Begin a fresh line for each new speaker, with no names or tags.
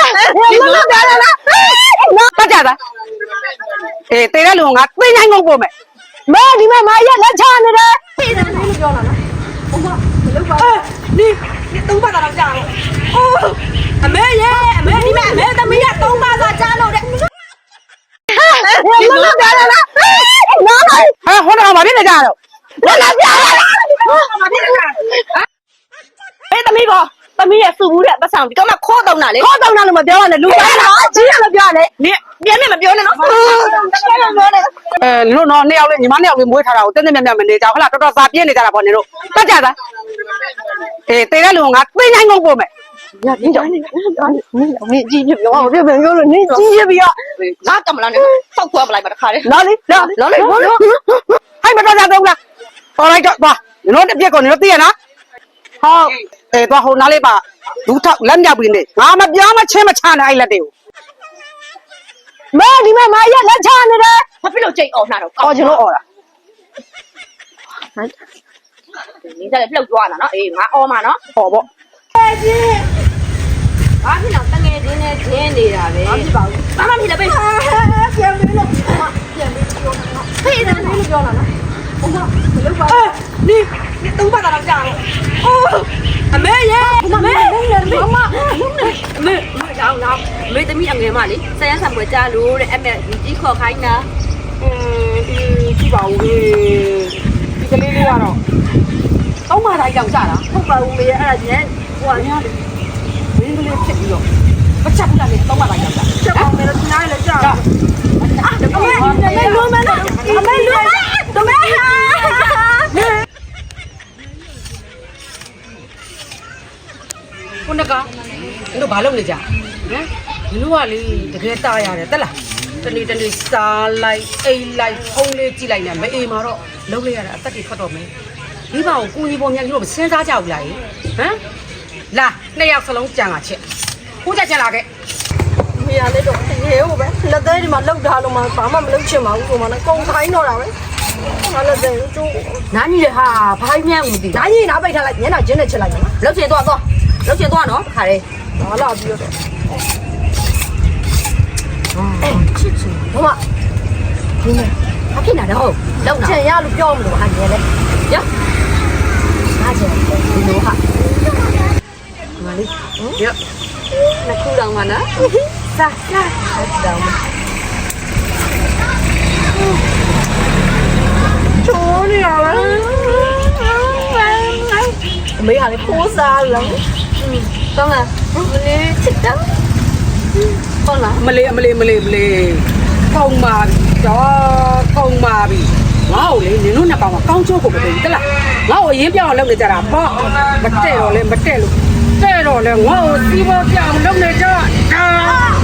တက်ကြတာအေးတေတဲ့လူငါသိနိုင်ကုန်ပို့မယ်မဲဒီမှာမရက်လက်ချနေတယ်သိတယ်မင်းပြောလာလားဘုမမလုပ်ပါนี่သုံးပါးတော့ကြာလို့အိုးအမေရဲ့အမေဒီမှာအမေသမီးကသုံးပါးသာကြာလို့တဲ့မလုပ်ကြလားနော်ဟဲ့ဟိုတော့မဖြစ်နေကြတော့မလုပ်ကြလားမဖြစ်နေကြအေးသမီးကောသမီးရဲ့စုဘူးတဲ့ပတ်ဆောင်ဒီတော့မှခေါ်တော့တာလေခေါ်တော့တာလို့မပြောရနဲ့လူသားလားကြီးရလို့ပြောရတယ်နင်ပြန်နဲ့မပြောနဲ့နော်လို့နော်နှစ်ယောက်လေးညီမနှစ်ယောက်လေးမွေးထားတာကိုတင်းတင်းမြတ်မြတ်မနေကြဘူးဟလားတော်တော်စာပြင်းနေကြတာပေါ့နင်တို့တက်ကြသားအေးတေတဲ့လူငါသိနိုင်ကုန်ပို့မယ်ညပြင်းကြောင်းနေမင်းကြီးပြပြောအောင်ပြပြောလို့နင်းကြီးပြပြီးတော့ငါကမလားနဲ့စောက်ခွဲမလိုက်ပါတခါလေလာလေလာလေဟိုင်းမတော်ကြတော့လားတော်လိုက်တော့သွားနင်တို့တစ်ပြက်ကိုနင်တို့သိရနော်ဟုတ်အေးသွားဟိုနားလေးပါလူထောက်လက်မြောက်ပြီးနေငါမပြောမချင်းမချနဲ့အဲ့လက်တွေကိုမဲဒီမှာမရက်လက်ချနေတယ်ဘာဖြစ်လို့ကြိတ်អော်နှာတော့အော်ကျွန်တော်អော်တာဟမ်你在这လှုပ်သွားတာနော်အေးငါអော်မှာနော်ဟောပေါ့ကြီးဘာဖြစ်လို့တငယ်ချင်းနဲ့ချင်းနေတာပဲဘာဖြစ်ပါဘူးဘာမှမဖြစ်လည်းပဲပြန်ပြီးလို့ပြန်ပြီးပြောတာနော်ဖေးတယ်လို့ပြောလာနော်ဘုမမလုပ်ပါนี่သုံးပါးတော့ကြာလို့အိုးအမေရဲ့အမေမမအမေတော့တော့အမေသမီးအငယ်မလေးဆယ်ရဆံပွဲကြာလို့တဲ့အမေကြီးခေါ်ခိုင်းတာဒီကြည့်ပါဦးဒီကလေးလေးကတော့သုံးပါးတိုင်းကြောင်ကြာတာဟုတ်ပါဘူးမေအဲ့ဒါညဟိုကညလေးမင်းကလေးဖြစ်ပြီးတော့မချက်ဘူးလားလေသုံးပါးတိုင်းကြောင်ကြာချက်အောင်မယ်လို့ဒီနားလေးကြာအမေလုံးမလားအမေလုံးတမဲဟာခုနကတို့ဘာလုပ်နေကြဟမ်ဒီလိုကလေတကယ်တာရတယ်တက်လားတနေ့တနေ့စားလိုက်အိတ်လိုက်ဖုံးလေးကြည့်လိုက်နေမအေးမှာတော့လုံးလိုက်ရတာအသက်တွေထွက်တော့မယ်ဒီဘာကိုကိုကြီးပေါ်မြန်ကြီးတော့မစဉ်းစားကြဘူးလားဟမ်လာနှစ်ယောက်စလုံးကြံလာချက်ခုကြကြလာခဲ့မေရလေးတော့ရေဟုတ်ပဲလက်သေးဒီမှာလောက်ထားလို့မှဘာမှမလုပ်ချင်ပါဘူးဆိုမှလည်းကုန်ခိုင်းတော့တာပဲငါလက်သေးကျိုးနားကြီးလေဟာဘာမှမမသိနားကြီးနားပိတ်ထားလိုက်ညနာကျင်းနဲ့ချက်လိုက်နော်လောက်ချင်တော့လောက်ချင်တော့နော်ခါလေးဟာလာပြီးတော့ချစ်ချင်ဘမဒီနေ့အဖြစ်နာတော့လောက်နာချင်ရလို့ပြောမလို့ဟာညလေရအားချင်ဒီလိုဟာငါလေးရနှစ်ခုတောင်မှနော်စားတောင်ချိုးနေရလားအမေကလည်းခိုးစားလို့တော့လားမလေးချစ်တော့ဟုတ်လားမလေးကောင်းပါပြီတော့ကောင်းပါပြီငါ့ကိုလေနင်တို့နှစ်ကောင်ကကောင်းချိုးကိုမသိဘူးတလားငါ့ကိုအရင်ပြောင်းအောင်လုပ်နေကြတာပေါ့မတဲ့တော့လေမတဲ့လို့တဲ့တော့လေငါ့ကိုစီးပေါ်ပြောင်းလုပ်နေကြတာ